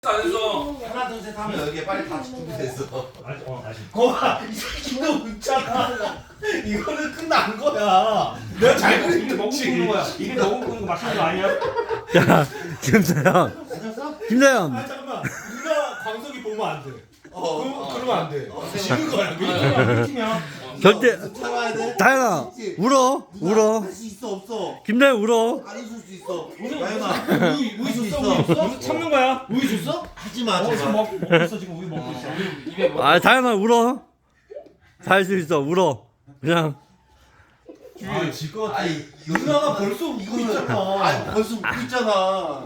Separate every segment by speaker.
Speaker 1: 안 했어.
Speaker 2: 하나 둘 셋 하면 여기에 빨리 다 준비됐어.
Speaker 3: 아직.
Speaker 2: 거봐 이 새끼도 웃잖아. 이거는 끝난 거야. 내가 잘
Speaker 3: 이게
Speaker 2: 그린
Speaker 3: 너무
Speaker 2: 거지.
Speaker 3: 끄는 거야. 이게 너무 끄는 거 맞추는 거 아니야?
Speaker 4: 야, 김서영. 김서영.
Speaker 2: 아 잠깐만. 누나 광석이 보면 안 돼. 그러면 안 돼.
Speaker 3: 어.
Speaker 2: 지는 거야.
Speaker 3: 우리 팀이야.
Speaker 4: 절대.
Speaker 2: 참아야 돼.
Speaker 4: 다현아, 울어. 울어.
Speaker 2: 할 수 있어 없어.
Speaker 4: 김다현 울어.
Speaker 2: 안 웃을 수 있어. 다현아
Speaker 3: 우유 줬어?
Speaker 2: 있어.
Speaker 3: 우유 줬어? 참는 거야.
Speaker 2: 우유 줬어? 하지 마. 하지
Speaker 3: 지금
Speaker 2: 마.
Speaker 3: 먹고 있어. 지금 우유 먹고 있어.
Speaker 1: 입에 뭐?
Speaker 4: 아, 다현아 울어. 다 할 수 있어. 울어. 그냥.
Speaker 2: 질것 같아. 아니 누나가 벌써 웃고 있잖아. 아니 벌써 웃고 있잖아.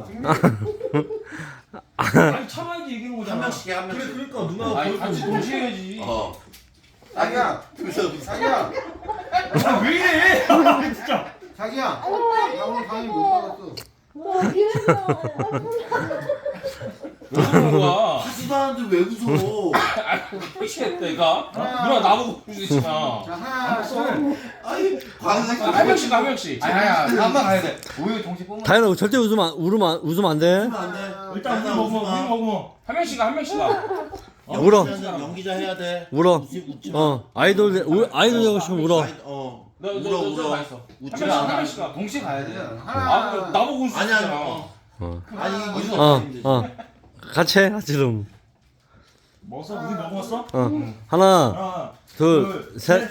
Speaker 3: 아니 참아야지 이기는
Speaker 2: 한
Speaker 3: 거잖아.
Speaker 2: 명씩 해, 한 명씩. 그래 그러니까 누나가
Speaker 1: 아니
Speaker 2: 벌써
Speaker 1: 같이
Speaker 2: 웃고
Speaker 1: 동시에 해야지.
Speaker 5: 자기야, 자기야,
Speaker 3: 아, 왜 이래? 진짜.
Speaker 5: 자기야. 나 오늘 강의 못 받았어.
Speaker 1: 왜 그러는 거야?
Speaker 2: 하지도 않는데 왜 웃어?
Speaker 1: 미치겠다 얘가. 누나 나보고 그러지마.
Speaker 5: 자, 하나, 둘.
Speaker 2: 아니 광석이
Speaker 1: 한 명씩 한 명씩.
Speaker 5: 아야, 한번 가야 돼. 우유 동시 뿜어.
Speaker 4: 다현아 절대 웃으면 안 돼.
Speaker 2: 안 돼.
Speaker 3: 일단 우유 먹으면 우유 먹으면.
Speaker 1: 한 명씩 한 명씩 가.
Speaker 4: 울어.
Speaker 2: 연기자 해야 돼.
Speaker 4: 울어.
Speaker 2: 웃지 마.
Speaker 4: 아이돌 되고 싶으면 울어.
Speaker 2: 울어.
Speaker 1: 한
Speaker 2: 웃지
Speaker 1: 명씩
Speaker 2: 마.
Speaker 1: 한 명씩 가.
Speaker 5: 동시 가야 돼.
Speaker 1: 아 그럼 나보고 울수
Speaker 2: 아니
Speaker 1: 있잖아.
Speaker 2: 아니
Speaker 4: 어. 같이 해. 지금.
Speaker 3: 먹었어? 우유 먹었어?
Speaker 4: 하나,
Speaker 3: 하나,
Speaker 4: 둘, 셋.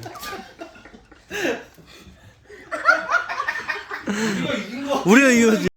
Speaker 2: 우리가 이긴 거.
Speaker 4: 우리가 이거지.